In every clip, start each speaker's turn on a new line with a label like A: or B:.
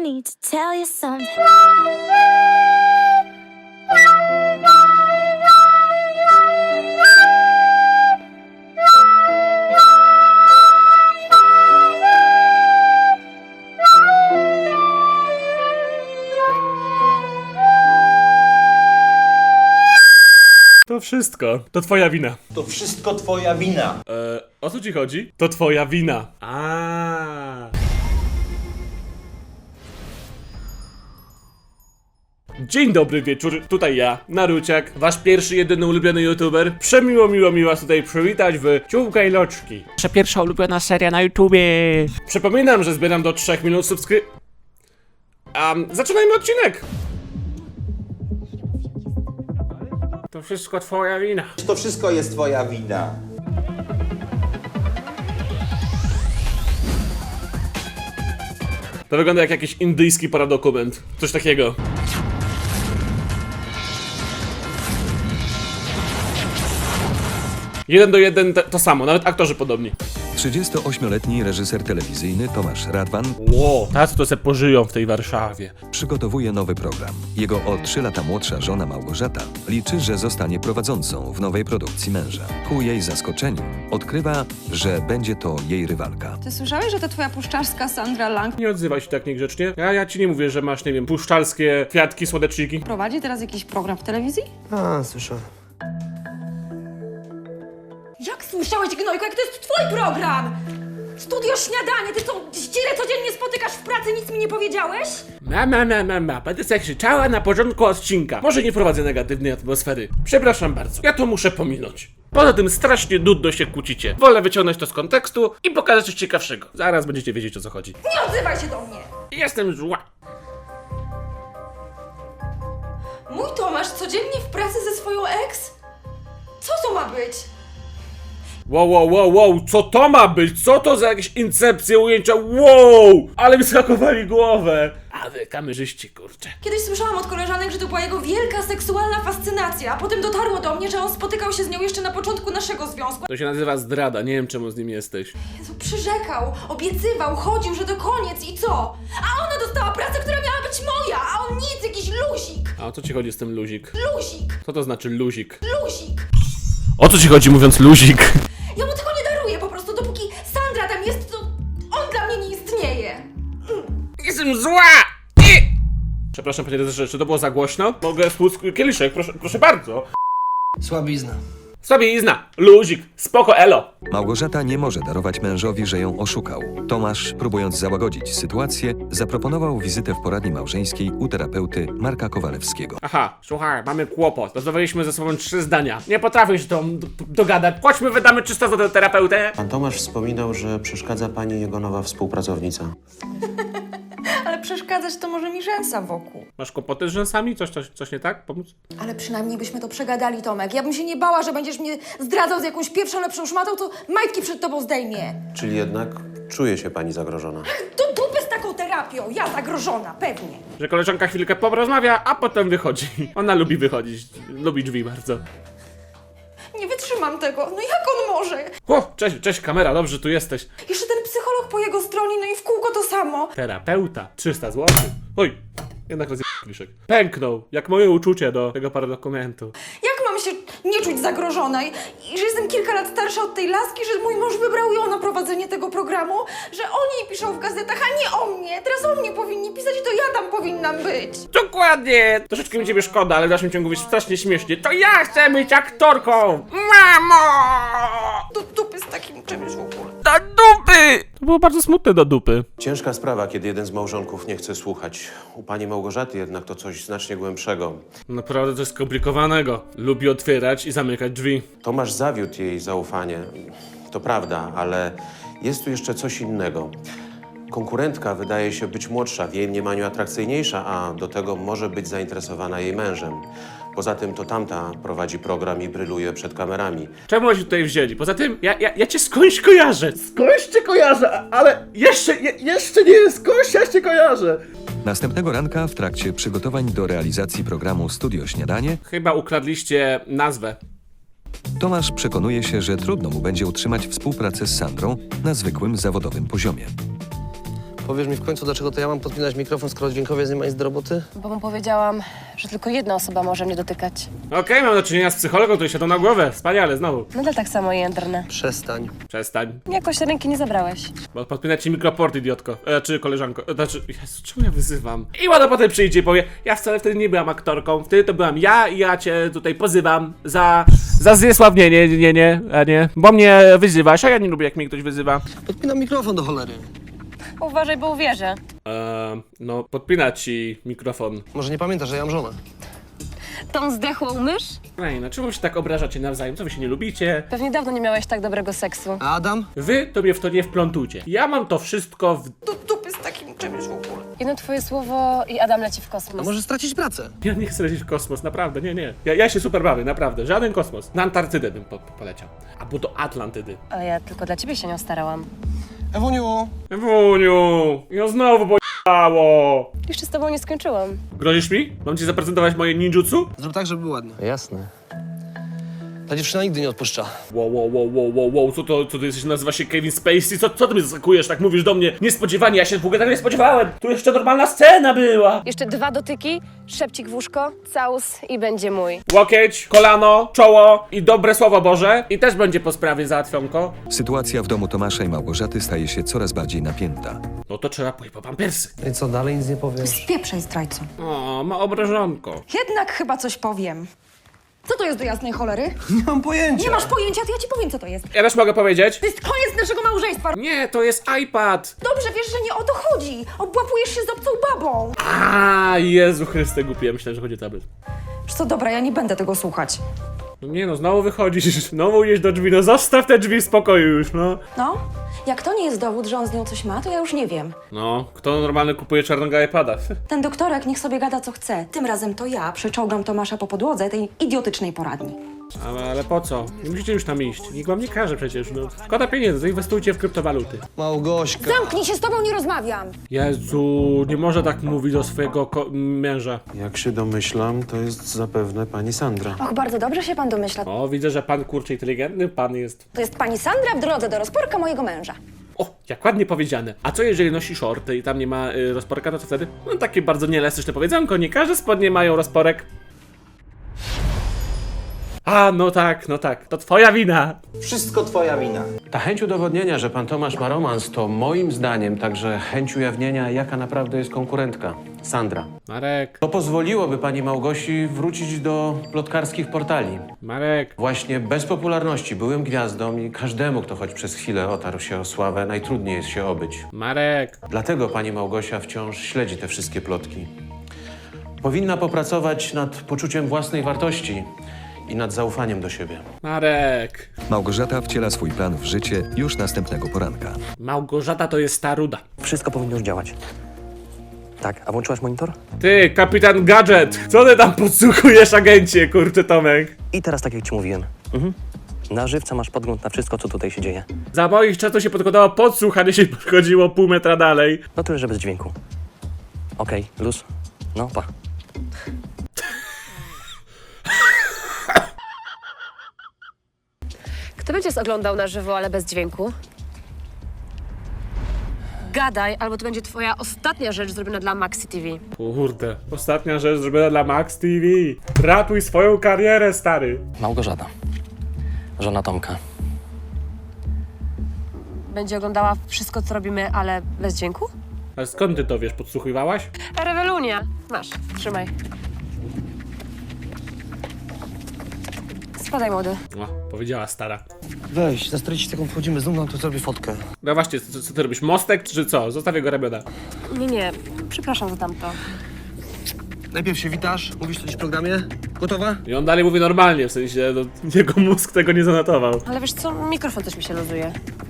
A: need to tell you something.
B: To wszystko. To twoja wina.
C: To wszystko twoja wina.
B: O co ci chodzi? To twoja wina. A. Dzień dobry wieczór, tutaj ja, Naruciak, wasz pierwszy, jedyny ulubiony youtuber. Przemiło mi was tutaj przywitać w Ciułka i Loczki.
D: Nasza pierwsza ulubiona seria na YouTubie.
B: Przypominam, że zbieram do 3 minut zaczynajmy odcinek! To wszystko twoja wina.
C: To wszystko jest twoja wina.
B: To wygląda jak jakiś indyjski paradokument. Coś takiego. Jeden do jeden to samo, nawet aktorzy podobni.
E: 38-letni reżyser telewizyjny Tomasz Radwan
B: Ło, tacy to se pożyją w tej Warszawie.
E: przygotowuje nowy program. Jego o 3 lata młodsza żona Małgorzata liczy, że zostanie prowadzącą w nowej produkcji męża. Ku jej zaskoczeniu odkrywa, że będzie to jej rywalka.
F: Ty słyszałeś, że to twoja puszczarska Sandra Lang
B: Nie odzywaj się tak niegrzecznie. Ja ci nie mówię, że masz, nie wiem, puszczalskie kwiatki, słodeczniki.
F: prowadzi teraz jakiś program w telewizji?
G: A, słyszałem.
F: Jak słyszałeś, Gnojko, jak to jest twój program? Studio Śniadanie, ty co, ścierę codziennie spotykasz w pracy, nic mi nie powiedziałeś?
B: Będę sobie krzyczała na początku odcinka. Może nie prowadzę negatywnej atmosfery. Przepraszam bardzo, ja to muszę pominąć. Poza tym strasznie nudno się kłócicie. Wolę wyciągnąć to z kontekstu i pokazać coś ciekawszego. Zaraz będziecie wiedzieć, o co chodzi.
F: Nie odzywaj się do mnie!
B: Jestem zła.
F: Mój Tomasz codziennie w pracy ze swoją ex? Co to ma być?
B: Wow, co to ma być? Co to za jakieś incepcje, ujęcia? Wow! Ale mi skakowali głowę. A wy kamerzyści, kurczę.
F: Kiedyś słyszałam od koleżanek, że to była jego wielka seksualna fascynacja, a potem dotarło do mnie, że on spotykał się z nią jeszcze na początku naszego związku.
B: To się nazywa zdrada, nie wiem czemu z nim jesteś.
F: Jezu, przyrzekał, obiecywał, chodził, że to koniec i co? A ona dostała pracę, która miała być moja, a on nic, jakiś luzik!
B: A o co ci chodzi z tym luzik?
F: Luzik!
B: Co to znaczy luzik?
F: Luzik!
B: O co ci chodzi mówiąc luzik?
F: Ja mu tego nie daruję, po prostu dopóki Sandra tam jest, to on dla mnie nie istnieje.
B: Jestem zła! Przepraszam panie redaktorze, czy to było za głośno? Mogę spłuc kieliszek, proszę bardzo.
G: Słabizna.
B: Słabiizna, luzik, spoko elo.
E: Małgorzata nie może darować mężowi, że ją oszukał. Tomasz, próbując załagodzić sytuację, zaproponował wizytę w poradni małżeńskiej u terapeuty Marka Kowalewskiego.
B: Aha, słuchaj, mamy kłopot. Rozmawialiśmy ze sobą 3 zdania. Nie potrafię się tą dogadać. Chodźmy, wydamy 300 zł terapeutę.
H: Pan Tomasz wspominał, że przeszkadza pani jego nowa współpracownica.
F: Ale przeszkadzać to może mi rzęsa wokół.
B: Masz kłopoty z rzęsami? Coś nie tak? Pomóc?
F: Ale przynajmniej byśmy to przegadali, Tomek. Ja bym się nie bała, że będziesz mnie zdradzał z jakąś pierwszą, lepszą szmatą, to majtki przed tobą zdejmie.
H: Czyli jednak czuje się pani zagrożona.
F: Do dupy z taką terapią, ja zagrożona, pewnie.
B: Że koleżanka chwilkę porozmawia, a potem wychodzi. Ona lubi wychodzić. Lubi drzwi bardzo.
F: Nie wytrzymam tego, no jak on może?
B: O, cześć kamera, dobrze tu jesteś.
F: Jeszcze ten psycholog po jego stronie, no i w kółko to samo.
B: Terapeuta, 300 zł. Oj, jednak kieliszek. Pęknął, jak moje uczucie do tego paradokumentu.
F: Jak mam się nie czuć zagrożonej? I że jestem kilka lat starsza od tej laski, że mój mąż wybrał ją na prowadzenie tego programu? Że o niej piszą w gazetach, a nie o mnie? Teraz o mnie powinni pisać, to ja tam powinnam być.
B: Dokładnie! Troszeczkę mi ciebie szkoda, ale w dalszym ciągu jest strasznie śmiesznie. To ja chcę być aktorką! Mamo!
F: Do dupy z takim czymś w ogóle.
B: Do dupy! To było bardzo smutne do dupy.
H: Ciężka sprawa, kiedy jeden z małżonków nie chce słuchać. U pani Małgorzaty jednak to coś znacznie głębszego.
B: Naprawdę coś skomplikowanego. Lubi otwierać i zamykać drzwi.
H: Tomasz zawiódł jej zaufanie. To prawda, ale jest tu jeszcze coś innego. Konkurentka wydaje się być młodsza, w jej mniemaniu atrakcyjniejsza, a do tego może być zainteresowana jej mężem. Poza tym to tamta prowadzi program i bryluje przed kamerami.
B: Czemu oni się tutaj wzięli? Poza tym, ja cię skądś kojarzę. Skądś cię kojarzę, ale jeszcze nie, skądś ja cię kojarzę.
E: Następnego ranka, w trakcie przygotowań do realizacji programu Studio Śniadanie,
B: Chyba ukradliście nazwę.
E: Tomasz przekonuje się, że trudno mu będzie utrzymać współpracę z Sandrą na zwykłym zawodowym poziomie.
G: Powiesz mi w końcu, dlaczego to ja mam podpinać mikrofon, skoro dźwiękowiec nie ma nic do roboty?
A: Bo mu powiedziałam, że tylko jedna osoba może mnie dotykać.
B: Okej, mam do czynienia z psychologą, który siadł na głowę. Wspaniale, znowu.
A: Nadal tak samo jędrne.
G: Przestań.
B: Przestań.
A: Jakoś ręki nie zabrałeś.
B: Bo podpinać ci mikroport, idiotko. Czy koleżanko. Znaczy, Jezu, czemu ja wyzywam? I ładno potem przyjdzie i powie, ja wcale wtedy nie byłam aktorką, wtedy to byłam ja i ja cię tutaj pozywam za zniesławnienie, nie. Bo mnie wyzywasz, a ja nie lubię, jak mnie ktoś wyzywa.
G: Podpinam mikrofon do cholery.
A: Uważaj, bo uwierzę.
B: No, podpinać ci mikrofon.
G: Może nie pamiętasz, że ja mam żonę.
A: Tą zdechłą mysz?
B: Ej, no czemu się tak obrażacie nawzajem? Co wy się nie lubicie?
A: Pewnie dawno nie miałeś tak dobrego seksu.
G: A Adam?
B: Wy to mnie w to nie wplątujcie. Ja mam to wszystko w...
F: Do dupy z takim czymś w ogóle.
A: Jedno twoje słowo i Adam leci w
G: A
A: kosmos.
G: może stracić pracę?
B: Ja nie chcę lecieć w kosmos, naprawdę, nie. Ja się super bawię, naprawdę. Żaden kosmos. Na Antarktydę bym poleciał. Albo do Atlantydy.
A: Ale ja tylko dla ciebie się nią starałam.
G: Ewuniu!
B: Ewuniu, ja znowu bojało.
A: Jeszcze z tobą nie skończyłam.
B: Grozisz mi? Mam ci zaprezentować moje ninjutsu?
G: Zrób tak, żeby był ładny.
E: Jasne.
G: Ta dziewczyna nigdy nie odpuszcza.
B: Wow, co ty jesteś, nazywa się Kevin Spacey? Co ty mnie zaskakujesz, tak mówisz do mnie niespodziewanie? Ja się w ogóle tak nie spodziewałem. Tu jeszcze normalna scena była.
A: Jeszcze 2 dotyki, szepcik w łóżko, całus i będzie mój.
B: Łokieć, kolano, czoło i dobre słowo Boże. I też będzie po sprawie załatwionko.
E: Sytuacja w domu Tomasza i Małgorzaty staje się coraz bardziej napięta.
B: No to trzeba pójść po pampersy.
G: No i co, dalej nic nie powiesz?
F: Spieprzaj, zdrajco.
B: O, ma obrażonko.
F: Jednak chyba coś powiem. Co to jest do jasnej cholery?
G: Nie mam pojęcia.
F: Nie masz pojęcia, to ja ci powiem, co to jest.
B: Ja też mogę powiedzieć?
F: To jest koniec naszego małżeństwa.
B: Nie, to jest iPad.
F: Dobrze wiesz, że nie o to chodzi. Obłapujesz się z obcą babą.
B: A, Jezu Chryste, głupie. Ja myślałem, że chodzi o tablet.
F: Wiesz co, dobra, ja nie będę tego słuchać.
B: No nie no, znowu wychodzisz, znowu idziesz do drzwi, no zostaw te drzwi w spokoju już, no.
F: No, jak to nie jest dowód, że on z nią coś ma, to ja już nie wiem.
B: No, kto normalnie kupuje czarnego iPada?
F: Ten doktorek niech sobie gada co chce. Tym razem to ja przeczołgam Tomasza po podłodze tej idiotycznej poradni.
B: Ale po co? Nie musicie już tam iść. Nikt wam nie każe przecież, no. Szkoda pieniędzy, zainwestujcie w kryptowaluty.
G: Małgośka.
F: Zamknij się, z tobą nie rozmawiam.
B: Jezu, nie może tak mówić do swojego męża.
H: Jak się domyślam, to jest zapewne pani Sandra.
F: Och, bardzo dobrze się pan domyśla.
B: O, widzę, że pan kurczę inteligentny, pan jest...
F: To jest pani Sandra w drodze do rozporka mojego męża.
B: O, jak ładnie powiedziane. A co jeżeli nosi shorty i tam nie ma rozporka, to co wtedy? No takie bardzo nieelastyczne powiedzonko, nie każde spodnie mają rozporek. A, no tak, to twoja wina.
C: Wszystko twoja wina.
H: Ta chęć udowodnienia, że pan Tomasz ma romans, to moim zdaniem także chęć ujawnienia, jaka naprawdę jest konkurentka. Sandra.
B: Marek,
H: To pozwoliłoby pani Małgosi wrócić do plotkarskich portali.
B: Marek.
H: Właśnie bez popularności byłym gwiazdą i każdemu, kto choć przez chwilę otarł się o sławę, najtrudniej jest się obyć.
B: Marek.
H: Dlatego pani Małgosia wciąż śledzi te wszystkie plotki. Powinna popracować nad poczuciem własnej wartości i nad zaufaniem do siebie.
B: Marek.
E: Małgorzata wciela swój plan w życie już następnego poranka.
B: Małgorzata to jest ta ruda.
I: Wszystko powinno już działać. Tak, a włączyłaś monitor?
B: Ty, kapitan Gadżet! Co ty tam podsłuchujesz, agencie, kurczę Tomek?
I: I teraz tak jak ci mówiłem. Na żywca masz podgląd na wszystko, co tutaj się dzieje.
B: Za moich czasów się podkładało podsłuch, a nie się podchodziło pół metra dalej.
I: No tyle, że bez dźwięku. Okej, luz. No, pa.
A: Kto będzie oglądał na żywo, ale bez dźwięku? Gadaj, albo to będzie twoja ostatnia rzecz zrobiona dla Maxi TV.
B: Kurde, ostatnia rzecz zrobiona dla Max TV. Ratuj swoją karierę, stary.
I: Małgorzata. Żona Tomka.
A: Będzie oglądała wszystko, co robimy, ale bez dźwięku?
B: Ale skąd ty to wiesz, podsłuchiwałaś?
A: Rewelunia. Masz, trzymaj. Spadaj, młody.
B: O, powiedziała stara.
G: Weź, za 40 sekund wchodzimy, znów nam tu zrobię fotkę.
B: No właśnie, co ty robisz, mostek czy co? Zostawię go ramiona.
A: Nie, przepraszam za tamto.
G: Najpierw się witasz, mówisz coś w programie. Gotowa?
B: I on dalej mówi normalnie, w sensie, no, jego mózg tego nie zanotował.
A: Ale wiesz co, mikrofon też mi się luzuje.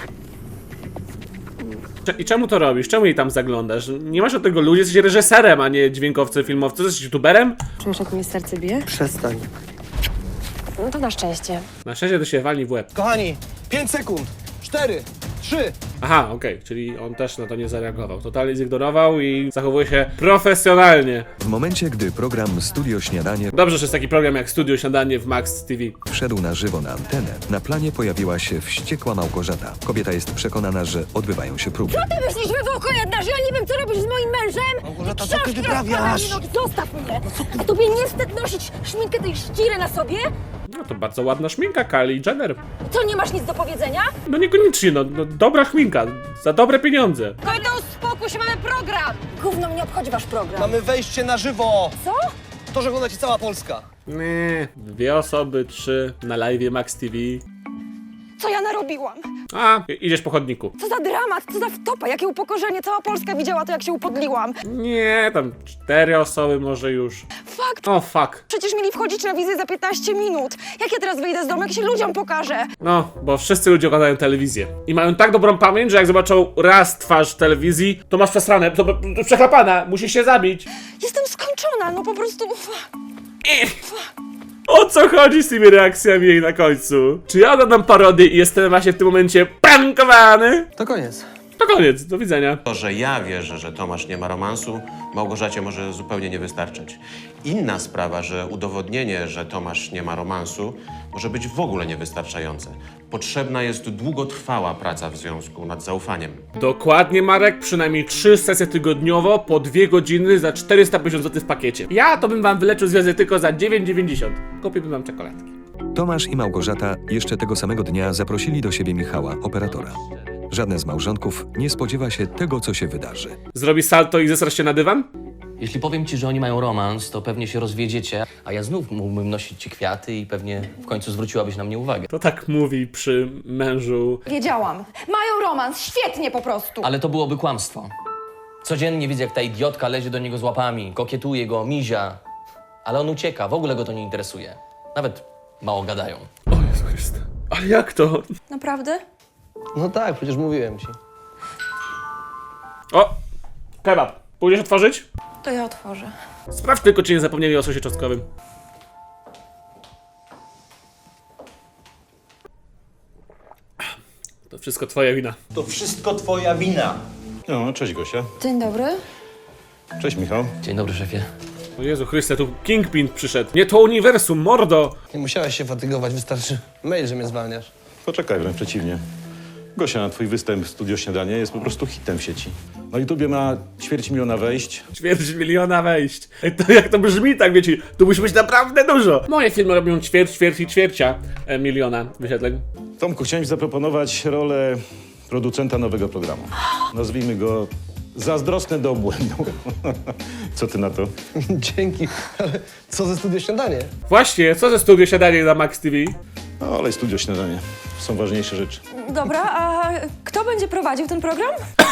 B: I czemu to robisz? Czemu jej tam zaglądasz? Nie masz od tego ludzi, jesteś reżyserem, a nie dźwiękowcem, filmowcem. Jesteś youtuberem?
A: Czujesz, jak mi serce bije?
G: Przestań.
A: No to na szczęście.
B: Na szczęście to się walni w łeb.
G: Kochani, 5 sekund. 4, 3.
B: Aha, okej, czyli on też na to nie zareagował. Totalnie zignorował i zachowuje się profesjonalnie.
E: W momencie, gdy program Studio Śniadanie
B: Dobrze, że jest taki program jak Studio Śniadanie w Max TV.
E: wszedł na żywo na antenę, na planie pojawiła się wściekła Małgorzata. Kobieta jest przekonana, że odbywają się próby.
A: Ty myślisz, wywołko jedna, że ja nie wiem, co robisz z moim mężem?
G: Małgorzata, co ty
A: Książki
G: wyprawiasz?
A: rozprawiam, no zostaw mnie! A tobie nie wstyd nosić szminkę tej ściry na sobie?
B: No to bardzo ładna szminka, Kylie Jenner.
A: Co, nie masz nic do powiedzenia?
B: No niekoniecznie, no dobra szminka, za dobre pieniądze.
A: Kojto, uspokój się, mamy program! Gówno mnie obchodzi wasz program.
G: Mamy wejście na żywo.
A: Co?
G: To, że ogląda ci cała Polska.
B: Nie, 2 osoby, 3 na live Max TV.
F: Co ja narobiłam?
B: A, idziesz po chodniku.
F: Co za dramat, co za wtopa, jakie upokorzenie. Cała Polska widziała to, jak się upodliłam.
B: Nie, tam 4 osoby może już.
F: Fakt,
B: O, fuck.
F: przecież mieli wchodzić na wizję za 15 minut. Jak ja teraz wyjdę z domu, jak się ludziom pokażę?
B: No, bo wszyscy ludzie oglądają telewizję. I mają tak dobrą pamięć, że jak zobaczą raz twarz w telewizji, to masz przesrane, to przechlapana, musisz się zabić.
F: Jestem skończona, no po prostu...
B: O co chodzi z tymi reakcjami jej na końcu? Czy ja oglądam parodię i jestem właśnie w tym momencie prankowany?
G: To koniec.
B: To koniec, do widzenia.
H: To, że ja wierzę, że Tomasz nie ma romansu, Małgorzacie może zupełnie nie wystarczyć. Inna sprawa, że udowodnienie, że Tomasz nie ma romansu, może być w ogóle niewystarczające. Potrzebna jest długotrwała praca w związku nad zaufaniem.
B: Dokładnie, Marek, przynajmniej 3 sesje tygodniowo po 2 godziny za 450 zł w pakiecie. Ja to bym wam wyleczył związek tylko za 9,90. Kupiłbym wam czekoladki.
E: Tomasz i Małgorzata jeszcze tego samego dnia zaprosili do siebie Michała, operatora. Żadne z małżonków nie spodziewa się tego, co się wydarzy.
B: Zrobi salto i zesrasz się na dywan?
I: Jeśli powiem ci, że oni mają romans, to pewnie się rozwiedziecie, a ja znów mógłbym nosić ci kwiaty i pewnie w końcu zwróciłabyś na mnie uwagę.
B: To tak mówi przy mężu.
F: Wiedziałam. Mają romans, świetnie po prostu.
I: Ale to byłoby kłamstwo. Codziennie widzę, jak ta idiotka lezie do niego z łapami, kokietuje go, mizia. Ale on ucieka, w ogóle go to nie interesuje. Nawet mało gadają.
B: O Jezu Chryste. Ale jak to?
F: Naprawdę?
G: No tak, przecież mówiłem ci.
B: O! Kebab. Pójdziesz otworzyć?
F: To ja otworzę.
B: Sprawdź tylko, czy nie zapomnieli o sosie czosnkowym. To wszystko twoja wina.
C: To wszystko twoja wina.
J: No, cześć Gosia.
F: Dzień dobry.
J: Cześć Michał.
I: Dzień dobry, szefie.
B: O Jezu Chryste, tu Kingpin przyszedł. Nie to uniwersum, mordo!
G: Nie musiałeś się fatygować, wystarczy mail, że mnie zwalniasz.
J: Poczekaj, wręcz przeciwnie. Gosia, twój występ w Studio Śniadanie jest po prostu hitem w sieci. Na YouTubie ma 250 000 wejść. 250 000 wejść. Ej, to jak to brzmi, tak wiecie, tu musi być naprawdę dużo. Moje filmy robią ćwierć miliona wyświetleń. Tomku, chciałem ci zaproponować rolę producenta nowego programu. Nazwijmy go Zazdrosny do obłędu. Co ty na to?
G: Dzięki, ale co ze Studio Śniadanie?
B: Właśnie, co ze Studio Siadanie na Max TV?
J: No, ale Studio Śniadanie. Są ważniejsze rzeczy.
F: Dobra, a kto będzie prowadził ten program?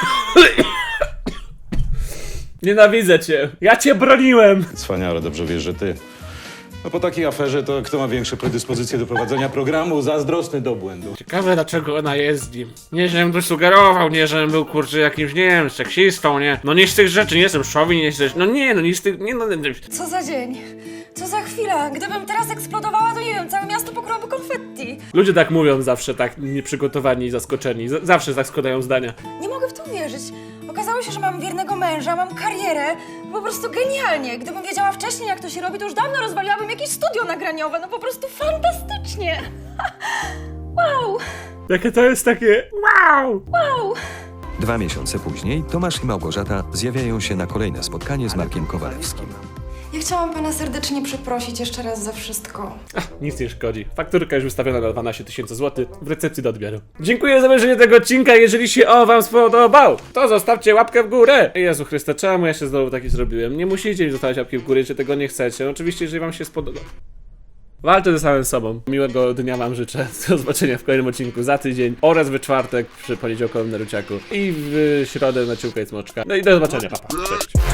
B: Nienawidzę cię. Ja cię broniłem.
J: Wspaniale, dobrze wiesz, że ty. No po takiej aferze to kto ma większe predyspozycje do prowadzenia programu Zazdrosny do obłędu?
B: Ciekawe, dlaczego ona jest z nim. Nie, żebym to sugerował, nie, żebym był, kurczę, jakimś, nie wiem, seksistą, nie. No nie z tych rzeczy, nie jestem szowin, nie z tych, no nie, no nie z tych, nie, no...
F: Co za dzień? Co za chwila? Gdybym teraz eksplodowała, to nie wiem, całe miasto pokryłoby konfetti.
B: Ludzie tak mówią zawsze, tak nieprzygotowani i zaskoczeni. Zawsze tak składają zdania.
F: Nie mogę w to uwierzyć. Okazało się, że mam wiernego męża, mam karierę. Po prostu genialnie. Gdybym wiedziała wcześniej, jak to się robi, to już dawno rozwaliłabym jakieś studio nagraniowe. No po prostu fantastycznie. Wow,
B: Jakie to jest takie... Wow!
F: wow.
E: 2 miesiące później Tomasz i Małgorzata zjawiają się na kolejne spotkanie z Markiem Kowalewskim.
F: Ja chciałam pana serdecznie przeprosić jeszcze raz za wszystko.
B: Nic nie szkodzi. Fakturka już wystawiona na 12 000 zł w recepcji do odbioru. Dziękuję za obejrzenie tego odcinka. Jeżeli się wam spodobał, to zostawcie łapkę w górę. Jezu Chryste, czemu ja się znowu taki zrobiłem? Nie musicie mi zostawiać łapki w górę, jeżeli tego nie chcecie. Oczywiście, jeżeli wam się spodoba. Walczę ze samym sobą. Miłego dnia wam życzę. Do zobaczenia w kolejnym odcinku za tydzień oraz w czwartek przy poniedziałkowym Naruciaku i w środę na Ciłka i Smoczka. No i do zobaczenia, papa. Cześć.